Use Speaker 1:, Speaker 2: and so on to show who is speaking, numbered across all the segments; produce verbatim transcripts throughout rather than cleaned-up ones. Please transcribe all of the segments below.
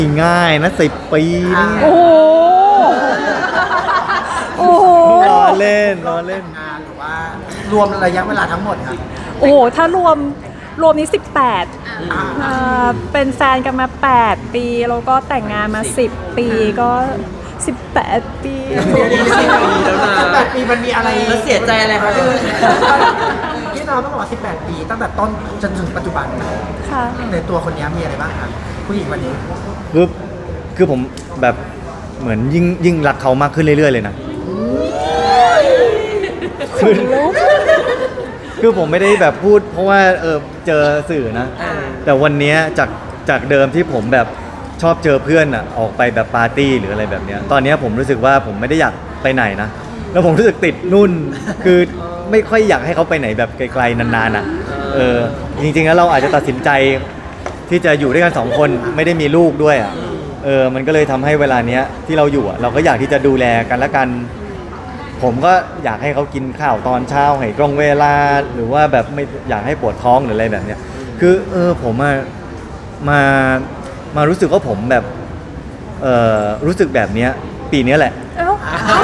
Speaker 1: ง่ายนะสิบปีนี่
Speaker 2: โอ้โหโอ้โห
Speaker 1: ล้อเล่นล้อเล่น
Speaker 3: งานหรือว่ารวมระยะเวลาทั้งหมดครับ
Speaker 2: โอ้โหถ้ารวมรวมนี้สิบแปด
Speaker 3: อ่า
Speaker 2: อ่าเป็นแฟนกันมาแปดปีแล้วก็แต่งงานมาสิบปีก็สิบแปดปี
Speaker 3: สิบแปดปีมันมีอะไร
Speaker 4: แล้วเสียใจอะไรครับพี่นุ่น
Speaker 3: ที่เราต้องบอกว่าสิบแปดปีตั้งแต่ต้นจนถึงปัจจุบัน
Speaker 2: ค่ะ
Speaker 3: ในตัวคนนี้มีอะไรบ้างครับผู้หญิงวันนี้
Speaker 1: คือคือผมแบบเหมือนยิ่งยิ่งรักเขามากขึ้นเรื่อยๆเลยนะคือคือผมไม่ได้แบบพูดเพราะว่าเออเจอสื่อนะ แต่วันเนี้ยจากจากเดิมที่ผมแบบชอบเจอเพื่อนอ่ะออกไปแบบปาร์ตี้หรืออะไรแบบเนี้ยตอนเนี้ยผมรู้สึกว่าผมไม่ได้อยากไปไหนนะแล้วผมรู้สึกติดนุ่นคือไม่ค่อยอยากให้เขาไปไหนแบบไกลๆนานๆอ่ะเออจริงๆแล้วเราอาจจะตัดสินใจที่จะอยู่ด้วยกันสองคนไม่ได้มีลูกด้วยอ่ะเออมันก็เลยทำให้เวลาเนี้ยที่เราอยู่อ่ะเราก็อยากที่จะดูแลกันและกัน ผมก็อยากให้เขากินข้าวตอนเช้าให้ตรงเวลาหรือว่าแบบไม่อยากให้ปวดท้องหรืออะไรแบบเนี้ยคือเออผมมามามารู้สึกว่าผมแบบเออรู้สึกแบบเนี้ยปีเนี้ยแหละ
Speaker 2: เอ้า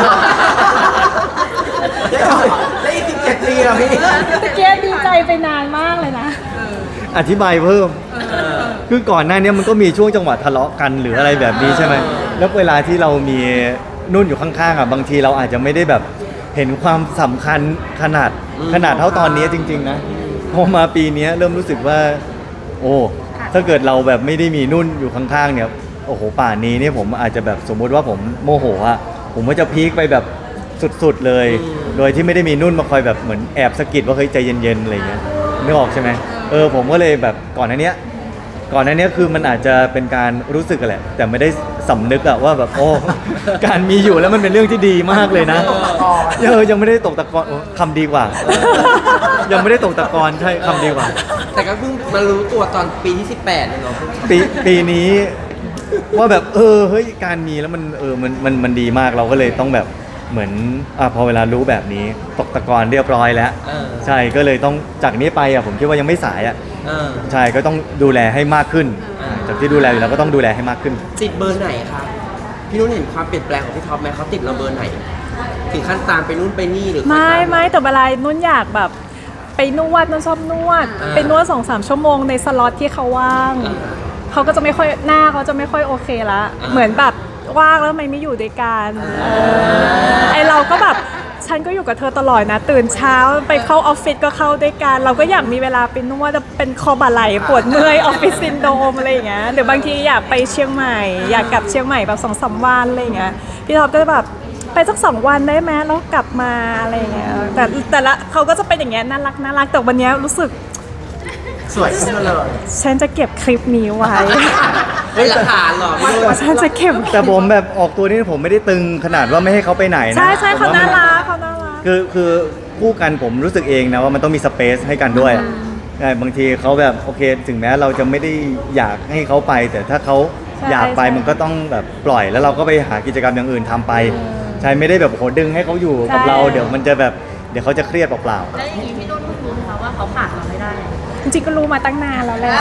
Speaker 3: ได้อีกสิบเจ็ดปีแล้วพี่
Speaker 2: ตะเกียบดีใจไปนานมากเลยนะ
Speaker 1: อธิบายเพิ่มคือก่อนหน้านี้มันก็มีช่วงจังหวะทะเลาะกันหรืออะไรแบบนี้ใช่ไหมแล้วเวลาที่เรามีนุ่นอยู่ข้างๆอ่ะบางทีเราอาจจะไม่ได้แบบเห็นความสำคัญขนาดขนาดเท่าตอนนี้จริงๆนะพอมาปีนี้เริ่มรู้สึกว่า โอ้ถ้าเกิดเราแบบไม่ได้มีนุ่นอยู่ข้างๆเนี่ยโอ้โหป่านนี้เนี่ยผมอาจจะแบบสมมุติว่าผมโมโหอ่ะผมก็จะพีคไปแบบสุดๆเลย โดยที่ไม่ได้มีนุ่นมาคอยแบบเหมือนแอบสะกิดว่าเฮ้ยใจเย็นๆอะไรเงี้ยนึกออกใช่ไหมเออผมก็เลยแบบก่อนหน้านี้ก่อนหน้านี้คือมันอาจจะเป็นการรู้สึกอะแหละแต่ไม่ได้สำนึกอะว่าแบบโอ้ การมีอยู่แล้วมันเป็นเรื่องที่ดีมากเลยนะเออยังไม่ได้ตกตะกอนโอ้คำดีกว่า ยังไม่ได้ตกตะกอนใช่คำดีกว่า
Speaker 4: แต่ก็เพิ่งมารู้ตัวตอนปีที่สิบแปดเนี่ยเนาะ
Speaker 1: ปีปีนี้ว่าแบบเออเฮ้ยการมีแล้วมันเออมันมันมันดีมากเราก็เลยต้องแบบเหมือนอ่ะพอเวลารู้แบบนี้ตกตะกอนเรียบร้อยแล้ว
Speaker 4: เออ
Speaker 1: ใช่ก็เลยต้องจากนี้ไปอ่ะผมคิดว่ายังไม่สายอ่ะ
Speaker 4: เออ
Speaker 1: ใช่ก็ต้องดูแลให้มากขึ้นอ่าจากที่ดูแลอยู่แล้วก็ต้องดูแลให้มากขึ้น
Speaker 4: ติดเบอร์ไหนคะพี่นุ่นเห็นความเปลี่ยนแปลงของพี่ท็อปไหมเขาติดเราเบอร์ไหน ถึงขั้นตามไปนู่นไปนี่หรือ
Speaker 2: ไม่ไม่แต่เวลานุ่นอยากแบบไปนวดนุ่นชอบนวด
Speaker 4: อ่า
Speaker 2: ไปนวดสองสามชั่วโมงในสล็อตที่เขาว่าง
Speaker 4: อ่า
Speaker 2: เขาก็จะไม่ค่อยหน้าเขาจะไม่ค่อยโอเคละ
Speaker 4: อ่า
Speaker 2: เหมือนแบบว่างแล้วทำไมไม่อยู่ด้วยกันเออไอเราก็แบบฉันก็อยู่กับเธอตลอดนะ ตื่นเช้าไปเข้าออฟฟิศก็เข้าด้วยกัน เราก็อยากมีเวลาไปนวดจะเป็นคอบ่าไหล่ปวดเมื่อยออฟฟิศซินโดรมอะไรอย่างเงี้ยหรือบางทีอยากไปเชียงใหม่ อยากกลับเชียงใหม่แบบสองสามวันอะไรอย่างเงี้ยพี่ท็อปก็จะแบบไปสักสองวันได้ไหมแล้วกลับมาอะไรอย่างเงี้ยแต่แต่ละเขาก็จะเป็นอย่างเงี้ยน่ารักน่ารักแต่วันเนี้ยรู้สึก
Speaker 3: สวยขึ้นมาเลย
Speaker 2: ฉันจะเก็บคลิปนี้ไว้
Speaker 4: เป็นหลักฐานเหรอพี่นุ่น
Speaker 2: ฉันจะเก็บ
Speaker 1: แต่ผมแบบออกตัวนี่ผมไม่ได้ตึงขนาดว่าไม่ให้เขาไปไหนนะ
Speaker 2: ใช่ใช่เขา
Speaker 1: ผมว่
Speaker 2: น่า
Speaker 1: มัน
Speaker 2: รักเขาน่ารัก
Speaker 1: คือคือคู่กันผมรู้สึกเองนะว่ามันต้องมีสเปซให้กันด้วยอะใช่บางทีเขาแบบโอเค ถึงแม้เราจะไม่ได้อยากให้เขาไป แต่ถ้าเขา
Speaker 2: ใช่
Speaker 1: อยากไป
Speaker 2: ใช่
Speaker 1: มันก็ต้องแบบปล่อยแล้วเราก็ไปหากิจกรรมอย่างอื่นทำไป ใช่ไม่ได้แบบโหดึงให้เขาอยู่กับ
Speaker 2: ใช่
Speaker 1: เราเดี๋ยวมันจะแบบเดี๋ยวเขาจะเครียดเปล่า
Speaker 5: แล้วอย่างนี้พี่นุ่นรู้ไหมคะว่าเขาขาดเราไม่ได้
Speaker 2: จริงๆก็รู้มาตั้งนานแล้วแหละ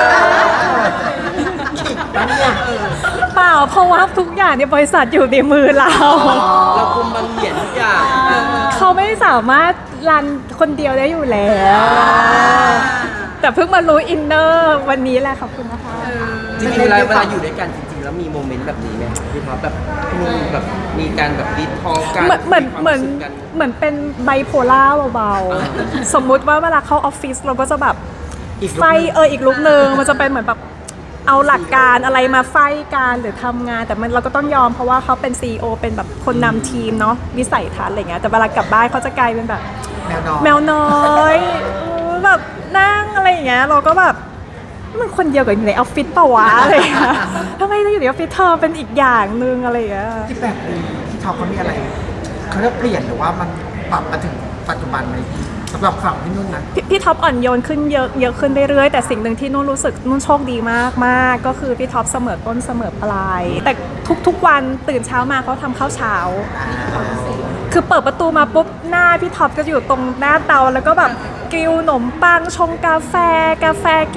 Speaker 2: เปล่าเพราะว่าทุกอย่างในบริษัทอยู่ในมือเรา
Speaker 4: เราคุมบังเหยียนทุกอย่าง
Speaker 2: เขาไม่สามารถรันคนเดียวได้อยู่แล้ว แต่เพิ่งมารู้อินเนอร์วันนี้แหละขอบคุณนะคะ
Speaker 4: จริงๆเวลาเวลาอยู่ด้วยกันจริงๆแล้วมีโมเมนต์แบบนี้ไหมพี่ท็อปแบบพี่นุ่นแบบมีการแบบดีทอกัน
Speaker 2: เหมือนเหมือน
Speaker 4: ควา
Speaker 2: เหมือน
Speaker 4: รู้สึกกัน
Speaker 2: เหมือนเป็นไบโพล่าเบา
Speaker 4: อ่า
Speaker 2: ๆ สมมุติว่าเวลาเข้าออฟฟิศเราก็จะแบบ
Speaker 3: อีกลุค
Speaker 2: ไฟเอออีกลุกหนึ่งมันจะเป็นเหมือนแบบเอาหลักการอะไรมาไฟการหรือทำงาน แต่มันเราก็ต้องยอมเพราะว่าเขาเป็น ซี อี โอ เป็นแบบคนนำทีมเนาะวิสัยทัศน์อะไรเงี้ยแต่เวลากลับบ้านเขาจะกลายเป็นแบบ
Speaker 3: แนวนอน
Speaker 2: แมวน้อยเออแบบนั่งอะไรอย่างเงี้ยเราก็แบบมันคนเดียวกับอยู่ในออฟฟิศเปล่าวะอะไรอย่างเงี้ยทำไมเราอยู่ในออฟฟิศเธอเป็นอีกอย่างหนึ่งอะไรอย่างเงี้ย
Speaker 3: ที่แปดปีที่ท็อปเขามีอะไรเขาเรียกเปลี่ยนหรือว่ามันปรับมาถึงปัจจุบันไหมพี่สำหรับฝั่งพี่นุ่นนะ
Speaker 2: พี่พี่ท็อปอ่อนโยนขึ้นเยอะเยอะขึ้นเรื่อยๆแต่สิ่งหนึ่งที่นุ่นรู้สึกนุ่นโชคดีมากมากก็คือพี่ท็อปเสมอต้นเสมอปลาย แต่ทุกๆวันตื่นเช้ามาเขาทำข้าวเช้า คือเปิดประตูมาปุ๊บหน้าพี่ท็อปก็อยู่ตรงหน้าเตาแล้วก็แบบกริลขนมปังชงกาแฟ กาแฟกี่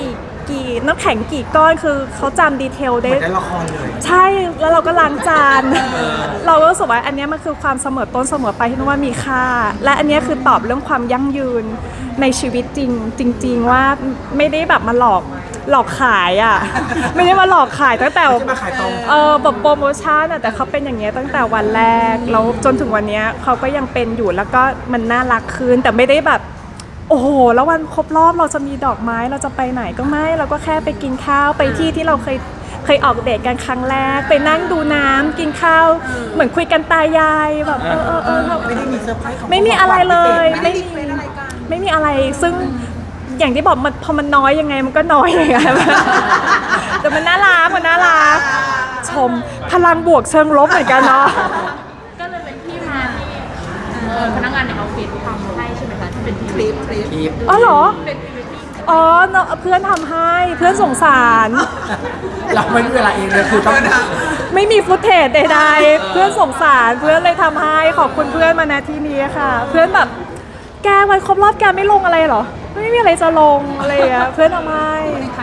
Speaker 2: กี่น้ำแข็งกี่ก้อนคือเขาจำดีเทล
Speaker 3: เห
Speaker 2: ได้
Speaker 3: มือนได้ละครเลย
Speaker 2: ใช่แล้วเราก็ล้างจาน เราก็รู้สึกว่าอันเนี้ยมันคือความเสมอต้นเสมอไปที่นุ่นว่ามีค่า และอันเนี้ยคือตอบเรื่องความยั่งยืนในชีวิตจริงจริง ๆ ว่าไม่ได้แบบมาหลอกหลอกขายอ่ะ ไม่ได้มาหลอกขายตั้งแต่
Speaker 3: ไม่ใช่มาขายตรง
Speaker 2: เออแบบโปรโมชั่นอะแต่เขาเป็นอย่างเงี้ยตั้งแต่วันแรกแล้วจนถึงวันเนี้ยเขาก็ยังเป็นอยู่แล้วก็มันน่ารักขึ้นแต่ไม่ได้แบบ โอ้โหแล้ววันครบรอบเราจะมีดอกไม้เราจะไปไหนก็ไม่เราก็แค่ไปกินข้าวไปที่ที่เราเคยเคยออกเดทกันครั้งแรกไปนั่งดูน้ำกินข้าวเหมือนคุยกันตายายแบบเออเออเออ
Speaker 3: ไม่ได้มีเซอร์ไพรส์ของ
Speaker 2: ไม่มีอะไรเลย
Speaker 3: ไม่
Speaker 2: ไม่มีไม่มีอะไรซึ่งอย่างที่บอกมันพอมันน้อยยังไงมันก็น้อยอย่างเงี้ย แต่มันน่ารักมันน่ารักชมพลังบวกเชิงลบเหมือนกันเนาะ
Speaker 5: ก็เลยเป็นที่มาที่เอ่อพนักงานในออฟฟิศทำให้ใช่ไหมคะที่เป็นคลิปคลิป
Speaker 4: คลิป
Speaker 2: อ๋อเหรอ
Speaker 5: เป็นคลิปที่
Speaker 2: อ๋อเนอะเพื่อนทำให้เพื่อนสงสาร
Speaker 3: เราไม่มีเวลาเองเลยคือต้อง
Speaker 2: ไม่มีฟุตเทจใดๆเพื่อนสงสารเพื่อนเลยทำให้ขอบคุณเพื่อนมาณที่นี้ค่ะ เพื่อนแบบแกวันครบรอบแกไม่ลงอะไรเหรอไม่มีอะไรจะลงอะไรอย่างเงี้ยเพื่อนทำให้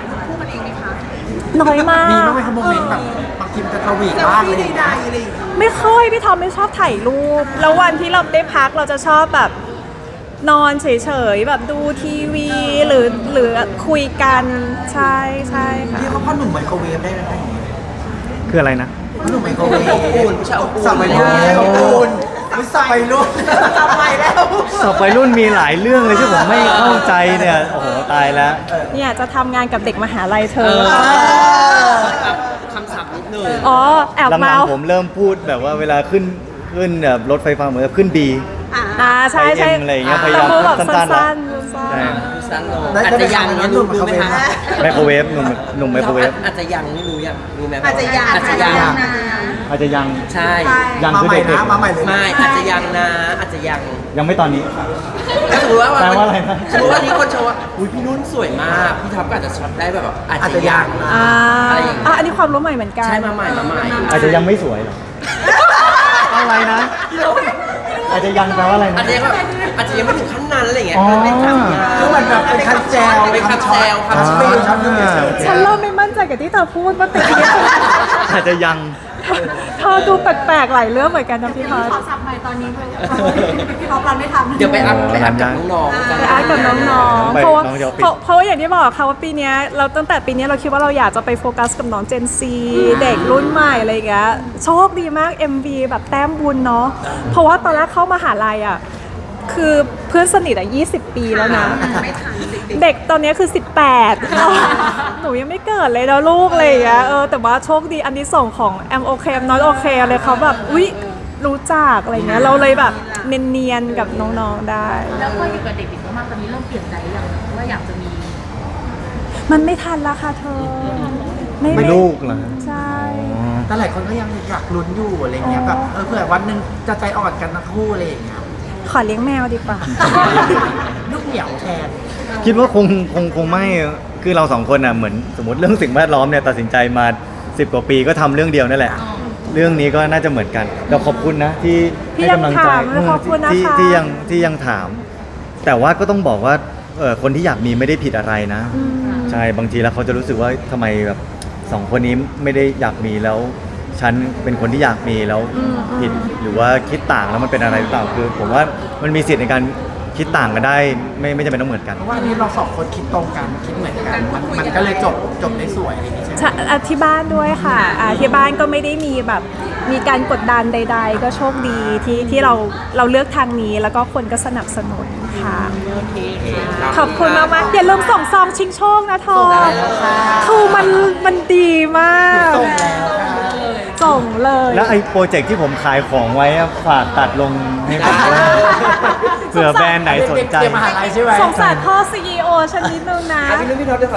Speaker 2: น้อยมาก
Speaker 3: มีบ้างไหมครับโมเมนต์แบบบางทีมันจะทวีตบ้างอะไรอย่างเงี้ย
Speaker 2: ไม่ค่อยพี่ทอมไม่ชอบถ่ายรูป แล้ววันที่เราได้พักเราจะชอบแบบนอนเฉยๆแบบดูทีวีหรือหรือคุยกันใช่ใช่ค่ะ
Speaker 3: ที่เขาพ่อหนุ่มไมโครเวฟได้ไหมคะ
Speaker 1: คืออะไรนะ
Speaker 3: พ่อหนุ่มไมโครเวฟ
Speaker 4: อบอุ่นผู้ชายอบอุ่น
Speaker 3: สับไปรุ่นอบอุ่นไม่สับไปรุ่นสับไปแล้ว
Speaker 1: สอบวัยรุ่นมีหลายเรื่องเลยที่ผมไม่เข้าใจเนี่ย โอ้โห ตายแล้ว
Speaker 2: เนี่ยจะทำงานกับเด็กมหาลัยเธ
Speaker 4: เอ
Speaker 2: อ
Speaker 4: อคำศัพท์นิดนึง
Speaker 2: อ๋อแอบ
Speaker 1: หลั
Speaker 2: เมาง
Speaker 1: ๆผมเริ่มพูดแบบว่าเวลาขึ้นขึ้นแบบรถไฟฟ้าเหมือนกับขึ้นบี
Speaker 2: อ่าใช่ใช่
Speaker 1: ไปเอ็มอะไรอย่างเงี้ยพยายาม
Speaker 2: แต่พูดแบบ
Speaker 1: สั้
Speaker 2: สั้
Speaker 1: นๆนะ
Speaker 2: นๆสั้น
Speaker 1: ใช่
Speaker 4: สั้นลง
Speaker 3: ได้
Speaker 4: อาจจะยัง
Speaker 3: ได้ไป
Speaker 4: เนี้ย
Speaker 3: ทำ
Speaker 4: รู้
Speaker 3: งาน
Speaker 4: รู้ไหมคะ
Speaker 1: ไมโครเวฟหนุ่มหนุ่มไมโครเวฟ
Speaker 4: อาจจะยังไม่รู้ยังรู้ไหม
Speaker 5: อาจจะยัง
Speaker 4: อาจจะยัง
Speaker 1: อาจจะยัง
Speaker 4: ใช่
Speaker 1: ยัง
Speaker 3: มา
Speaker 1: คือ
Speaker 3: ใหม่
Speaker 1: เด็ก
Speaker 3: นะมาใหม่เลย
Speaker 4: ไม่อาจจะยังนะอาจจะยัง
Speaker 1: ๆยังไม่ตอนนี้
Speaker 4: ถ้าสมมติว่า
Speaker 1: แปลว่าอะไรนะ
Speaker 4: สมมติว่านี้คนชมว่าอุ้ยพี่นุ่นสวยมากพี่ท็อปก็อาจจะช็อตได้แบบอาจ
Speaker 3: อาจ
Speaker 4: จะ
Speaker 3: จะ
Speaker 4: ยั
Speaker 3: ยัง ง
Speaker 2: ๆอ่า
Speaker 4: อะไรอย่างเงี้ย
Speaker 2: อ่ะอันนี้ความรู้ใหม่เหมือนกัน
Speaker 4: ใช่มาใหม่มาใหม่
Speaker 1: อาจจะยังไม่สวยหรอ อะไรนะ อาจจะยังแปลว่าอะไร
Speaker 4: อา
Speaker 1: นะ
Speaker 4: จจะยังแบบอาจจะยังไม่ถึงขั้นนั้นอะไรอย่างเงี้ย
Speaker 1: อ๋อ
Speaker 4: เป็นคำยา
Speaker 3: คือมันแบบเป็นคันแจว
Speaker 4: เป็นคำแซว
Speaker 3: คัน
Speaker 4: คำ
Speaker 3: ช็
Speaker 4: แซ
Speaker 3: อ
Speaker 4: ว
Speaker 3: ตช็อตฟิลเนส
Speaker 2: ฉันเริ่มไม่มั่นใจกับที่เธอพูดว่าติดเนี้ย
Speaker 1: อาจจะยัง
Speaker 2: เธอดูแปลกๆหลายเรื่องเหมือนกันนะพี่พอ
Speaker 5: ขอสับใหม่ตอนนี้เลยพี่ท็อปรันไม่ทัน
Speaker 4: เดี๋ยวไปอัพไปอัพกับน้องๆกัน
Speaker 2: ไปอาร์ตกับน้องๆ
Speaker 1: ไป
Speaker 2: เพราะว่า
Speaker 1: น้องจะเอาปิด
Speaker 2: เพราะเพราะว่าอย่างที่บอกค่ะว่าปีเนี้ยเราตั้งแต่ปีเนี้ยเราคิดว่าเราอยากจะไปโฟกัสกับน้องเจนซีเด็กรุ่นใหม่อะไรอย่างเงี้ยโชคดีมาก เอ็ม วี แบบแต้มบุญเนาะเพราะว่าตอนแรกเข้ามหาลัยอ่ะคือเพื่อนสนิทอ่ะยี่สิบปีแล้วนะ
Speaker 5: ไม่ทันจริง
Speaker 2: เด็กตอนนี้คือสิบแปด หนูยังไม่เกิดเลยนะลูกอะไรอย่างเงี้ยเออแต่ว่าโชคดีอันที่ส่งของแอมโอเคแอมน้อยโอเคเลยเขาแบบอุ๊ยรู้จักอะไรเงี้ยเราเลยแบบเนียนๆกับน้องๆได้
Speaker 5: ๆแล้วพออยู่กับเด็กๆมากๆตอนนี้เริ่มเปลี่ยนใจอย่างว่าอยากจะมี
Speaker 2: มันไม่ทันละค่ะเธอ ไม่
Speaker 1: ไม่ลูกเหรอ
Speaker 2: ใช่
Speaker 1: อ๋อ
Speaker 3: แต่หลายคนก็ยังอยากลุ้นอยู่อะไรเงี้ยแบบเออเผื่อวันหนึ่งจะใจอ่อนกันทั้งคู่อะไรอย่างเงี้ย
Speaker 2: ขอเลี้ยงแมวดีกว่า
Speaker 3: ลูกเหนียวแทน
Speaker 1: คิดว่าคงคงคงไม่ คือเราสองคนอ่ะเหมือนสมมติเรื่องสิ่งแวดล้อมเนี่ยตัดสินใจมาสิบกว่าปีก็ทำเรื่องเดียวนั่นแหละ เรื่องนี้ก็น่าจะเหมือนกันเราขอบคุณนะที่
Speaker 2: ที่
Speaker 1: ให้กำลังใจ
Speaker 2: ยังถามนะขอบคุณนะคะ
Speaker 1: ที่ที่ยังที่ยังถาม แต่ว่าก็ต้องบอกว่าเออคนที่อยากมีไม่ได้ผิดอะไรนะ
Speaker 2: อืม
Speaker 1: ใช่บางทีแล้วเขาจะรู้สึกว่าทำไมแบบสองคนนี้ไม่ได้อยากมีแล้ว ฉันเป็นคนที่อยากมีแล้ว
Speaker 2: อืม
Speaker 1: ผิดหรือว่าคิดต่างแล้วมันเป็นอะไรหรือเปล่าคือ ผมว่ามันมีสิทธิ์ในการคิดต่างกันได้ ไม่ไม่จำเป็นต้องเหมือนกัน
Speaker 3: เพราะว่าอันนี้เราสองคนคิดตรงกันคิดเหมือนกันมันมันก็เลยจบจบได้สวยอะไรอย่างเงี้ยใช่ไหม
Speaker 2: ใช่อ่ะที่บ้านด้วยค่ะอ่ะที่บ้านก็ไม่ได้มีแบบมีการกดดันใด ๆ ก็โชคดีที่ที่เราเราเลือกทางนี้แล้วก็คนก็สนับสนุนค่ะ ขอบคุณมากๆอย่าลืมส่งซองชิงโชคนะทองคือมันมันดีมาก
Speaker 3: ส่งแล้วค่ะ
Speaker 2: ส่งเลย
Speaker 1: แล้วไอ้โปรเจกต์ที่ผมขายของไว้อะฝากตัดลงให้ผมด้วยเผื่อแบรนด์ไหนสนใจ
Speaker 3: เด็กๆเตรียมมหาลัยใช่ไหม
Speaker 2: สงสารพ่อซีอีโอฉันนิดนึงนะ
Speaker 4: อ่ะพี่นุ่นพี่ท็อปเดี๋ยวขอ